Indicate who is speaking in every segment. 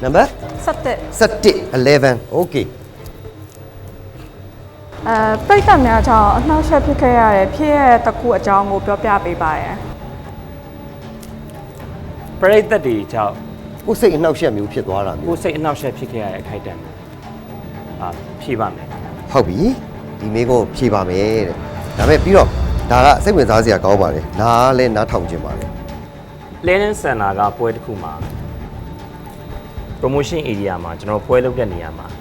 Speaker 1: number
Speaker 2: 17
Speaker 1: 11 okay
Speaker 2: ပြိတ္တများကြောင့်အနှောက်အယှက်ဖြစ်ခဲ့ရတဲ့ဖြစ်ရတဲ့တစ်ခုအကြောင်းကိုပြောပြပေးပါရယ်
Speaker 3: ပရိသတ်တွေကြောင့်
Speaker 1: ကိုယ်စိတ်အနှောက်အယှက်မျိုးဖြစ်သွားတာမျိုး
Speaker 3: ကိုယ်စိတ်အနှောက်အယှက်ဖြစ်ခဲ့ရတဲ့အခိုက်အတန့်ဖြေပါမယ်
Speaker 1: ဟုတ်ပြီဒီမိကိုဖြေပါမယ်တဲ့ဒါပေမဲ့ပြီးတော့ဒါကစိတ်ဝင်စားစရာကောင်းပါလေနားလဲနားထောင်ခြင်းပါလေ
Speaker 3: Learning Center ကပွဲတစ်ခုမှာ promotion area မှာကျွန်တော်ပွဲလုပ်တဲ့နေရာမှာ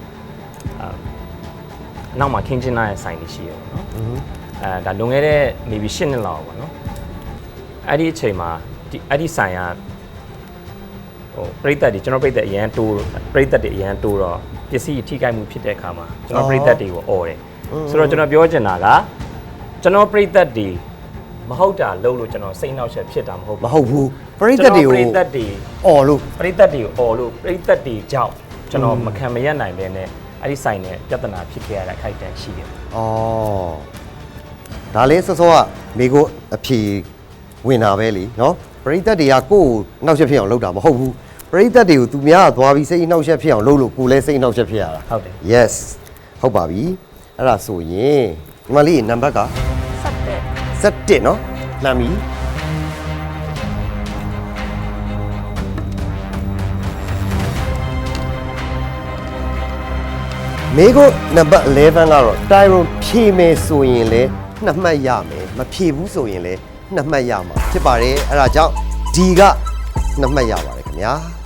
Speaker 3: အနောက်မှာခင်းကျင်းလာတဲ့ဆိုင်တွေရှိရပါတော့ဒါလွန်ခဲ့တဲ့ maybe 10နှစ်လောက်ပါနော်အဲ့ဒီအချိန်မှာအဲ့ဒီဆိုင်ကပရိသတ်တွေကျွန်တော်ပရိသတ်အရန်တိုးပရိသတ်တွေအရန်တိုးတော့ပစ္စည်းထိခိုက်မှုဖြစ်တဲ့အခါမှာကျွန်တော်ပရိသတ်တွေကိုអော်တယ်ဆိုတော့ကျွန်တော်ပြောချင်တာကကျွန်တော်ပရိသတ်တွေမဟုတ်တာလုပ်လို့ကျွန်တော်စိတ်နှောက်ယှက်ဖြစ်တာမဟုတ်ဘူး
Speaker 1: ပရိသတ်တွေကို
Speaker 3: ပရိသတ်တွေ
Speaker 1: အော်လို့
Speaker 3: ပရိသတ်တွေကိုអော်လို့ပရိသတ်တွေကြောင့်ကျွန်တော်မခံမရနိုင်ပဲနဲ့အဲ့ဒီဆိုင်နဲ့ပြဿနာဖြစ်ခဲ့ရတဲ့အခိုက်အတန့်ရှိတယ်
Speaker 1: ။အော်ဒါလေးစောစောကမိကိုအဖြေဝင်တာပဲလीနော်ပရိသတ်တွေကကိုယ်နှောက်ယှက်ဖြစ်အောင်လုပ်တာမဟုတ်ဘူးပရိသတ်တွေကိုသူများကသွားပြီးစိတ်နှောက်ယှက်ဖြစ်အောင်လုပ်လို့ကိုယ်လည်းစိတ်နှောက်ယှက်ဖြစ်ရတာ
Speaker 3: ဟုတ်တယ်
Speaker 1: yes ဟုတ်ပါပြီအဲ့ဒါဆိုရင်ဒီမလေးနံပါတ်က17နော်လှမ်းပြီမေကိုနံပါတ်11ကတော့တိုင်ရွန်ဖြေမယ်ဆိုရင်လည်း2မှတ်ရမယ်မဖြေဘူးဆိုရင်လည်း2မှတ်ရမှာဖြစ်ပါတယ်အဲ့ဒါကြောင့်ဒီက2မှတ်ရပါတယ်ခင်ဗျာ